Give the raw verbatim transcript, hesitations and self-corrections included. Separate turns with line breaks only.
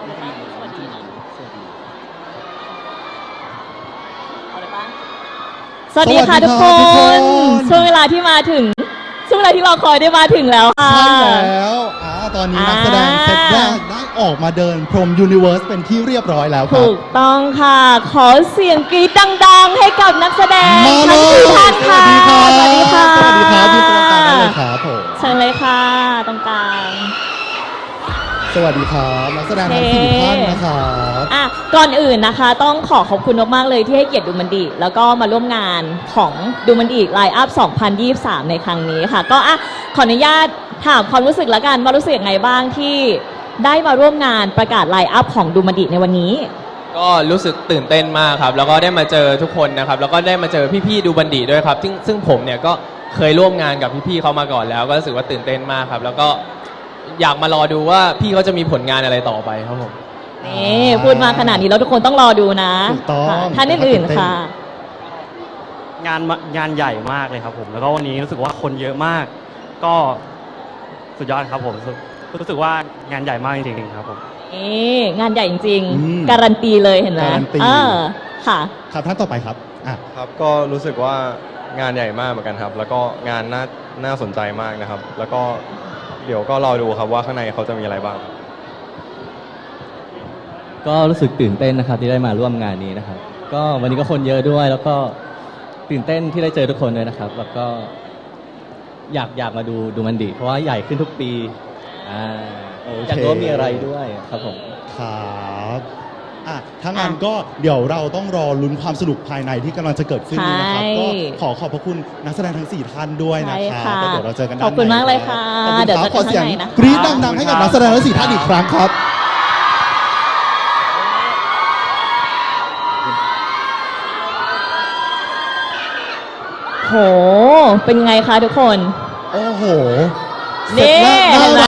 สวัสดีนะเอาเลยปะสวัสดีค่ะทุกคนช่วงเวลาที่มาถึงช่วงเวลาที่รอคอยได้มาถึงแล้วค่ะ
ใช่แล้วอ่าตอนนี้นักแสดงเซตแรกได้ออกมาเดินพรมยูนิเวิร์สเป็นที่เรียบร้อยแล้วครับ
ถูกต้องค่ะ ขอเสียงกรี๊ดดังๆให้กับนักแสดง
มาเล
ทั้งสี่
ย
ท่านค่ะ
สวัสดีครับ
สวัสดีค่ะ
สวัสดีครับที่ตรงกลางได้เลยครับผม
เชิญเลยค่ะตรงกลาง
สวัสดีครับนักแสดงทั้งสี่ท่านนะครับ
อ่ะก่อนอื่นนะคะ ต้องขอขอบคุณมากๆเลยที่ให้เกียรติดูมันดีแล้วก็มาร่วมงานของดูมันดีไลน์อัพสองพันยี่สิบสามในครั้งนี้ค่ะ ก็อ่ะขออนุญาตถามความรู้สึกละกันว่ารู้สึกยังไงบ้างที่ได้มาร่วมงานประกาศไลน์อัพของดูมันดีในวันนี้
ก็รู้สึกตื่นเต้นมากครับแล้วก็ได้มาเจอทุกคนนะครับแล้วก็ได้มาเจอพี่ๆดูบันดีด้วยครับซึ่งซึ่งผมเนี่ยก็เคยร่วมงานกับพี่ๆเขามาก่อนแล้วก็รู้สึกว่าตื่นเต้นมากครับแล้วก็อยากมารอดูว่าพี่เขาจะมีผลงานอะไรต่อไปครับผม
นี่พูดมาขนาดนี้แล้วทุกคนต้องรอดูนะ
ถูกต้อง
ท่านอื่นๆค่ะ
งานงานใหญ่มากเลยครับผมแล้วก็วันนี้รู้สึกว่าคนเยอะมาก ก็สุดยอดครับผมรู้สึกรู้สึกว่างานใหญ่มากจริงๆครับผม
นี่งานใหญ่จริง
อืม
ๆการันตีเลยเห็นไหม
การันตี
เออค่ะ
ครับท่านต่อไปครับอ่ะ
ครับก็รู้สึกว่างานใหญ่มากเหมือนกันครับแล้วก็งานน่าน่าสนใจมากนะครับแล้วก็เดี๋ยวก็รอดูครับว่าข้างในเขาจะมีอะไรบ้างครับ
ก็รู้สึกตื่นเต้นนะครับที่ได้มาร่วมงานนี้นะครับก็วันนี้ก็คนเยอะด้วยแล้วก็ตื่นเต้นที่ได้เจอทุกคนด้วยนะครับแล้วก็อยากอยากมาดูดูมันดีเพราะว่าใหญ่ขึ้นทุกปีอ่า
โอเค
อยากรู้ว่ามีอะไรด้วยครับผม
ครับอ่ะถ้างั้นก็เดี๋ยวเราต้องรอลุ้นความสนุกภายในที่กำลังจะเกิดขึ้นนี้นะครับ
ใช่
ก็ขอขอบพระคุณนักแสดงทั้งสี่ท่านด้วยนะ
ใช่
ครับ
ค่ะ
แล้วเดี๋ยวเราเจอกันด้าน
ขอบคุณ
ใน
มากเลยค่ะ
ขอบคุณ
เดี๋ยว
ครับ
เจอกัน
ขอเสียง
ข้างในนะคะ
กรี๊ดดังๆให้กับนักแสดงทั้งสี่ท่านอีกครั้งครับ
โห เป็นไงคะทุกคน
โอ้โห
นี่
เสร็จแล้ว
เห็นไหม